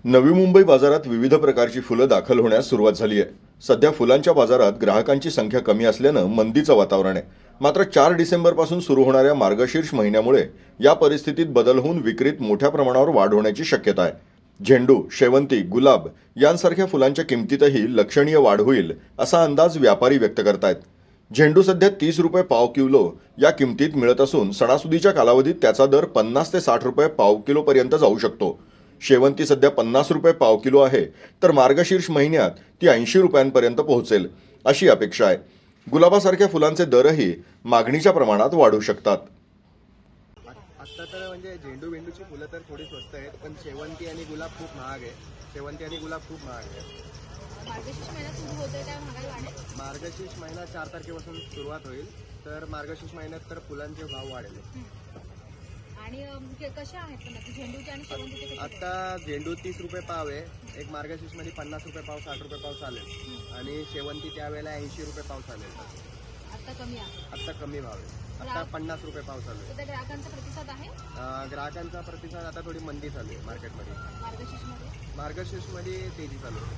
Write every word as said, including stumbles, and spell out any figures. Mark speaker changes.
Speaker 1: नवी मुंबई बाजारात विविध प्रकारची फुलं दाखल होण्यास सुरुवात झाली आहे. सध्या फुलांच्या बाजारात ग्राहकांची संख्या कमी असल्यानं मंदीचं वातावरण आहे. मात्र चार डिसेंबरपासून सुरू होणाऱ्या मार्गशीर्ष महिन्यामुळे या परिस्थितीत बदल होऊन विक्रीत मोठ्या प्रमाणावर वाढ होण्याची शक्यता आहे. झेंडू, शेवंती, गुलाब यांसारख्या फुलांच्या किमतीतही लक्षणीय वाढ होईल असा अंदाज व्यापारी व्यक्त करतायत. झेंडू सध्या तीस रुपये पाव किलो या किमतीत मिळत असून सणासुदीच्या कालावधीत त्याचा दर पन्नास ते साठ रुपये पाव किलोपर्यंत जाऊ शकतो. शेवंती सध्या पन्नास रुपये पाव किलो आहे, तर मार्गशीर्ष महिन्यात ती ऐंशी रुपयांपर्यंत पोहोचेल अशी अपेक्षा आहे. गुलाबासारख्या फुलांचे दरही मागणीच्या प्रमाणात वाढू शकतात.
Speaker 2: आत्ता तर म्हणजे झेंडू वेंडूची फुलं तर थोडी स्वस्त आहेत, पण शेवंती आणि गुलाब खूप महाग आहे. शेवंती आणि गुलाब खूप महाग आहे.
Speaker 3: मार्गशीर्ष महिना सुरू होतोय त्या महागाई वाढेल.
Speaker 2: मार्गशीर्ष महिना चार तारखेपासून सुरुवात होईल, तर मार्गशीर्ष महिन्यात तर फुलांचे भाव वाढेल.
Speaker 3: आणि अम, के- कशा आहेत पण आता झेंडूचे आणि शेवंतीचे कसे आहेत?
Speaker 2: आता झेंडू तीस रुपये पाव आहे, एक मार्गशीर्ष मध्ये पन्नास रुपये पाव, साठ रुपये पाव चालेल, आणि शेवंती त्यावेळेला ऐंशी रुपये पाव चालेल.
Speaker 3: आता कमी आहे.
Speaker 2: आत्ता कमी भाव आहे, आता पन्नास रुपये पाव चालू
Speaker 3: तर त्या ग्राहकांचा प्रतिसाद आहे
Speaker 2: आहे. ग्राहकांचा प्रतिसाद आता थोडी मंदी चालू आहे मार्केटमध्ये.
Speaker 3: मार्गशीर्षमध्ये.
Speaker 2: मार्गशीर्ष मध्ये तेजी चालू आहे.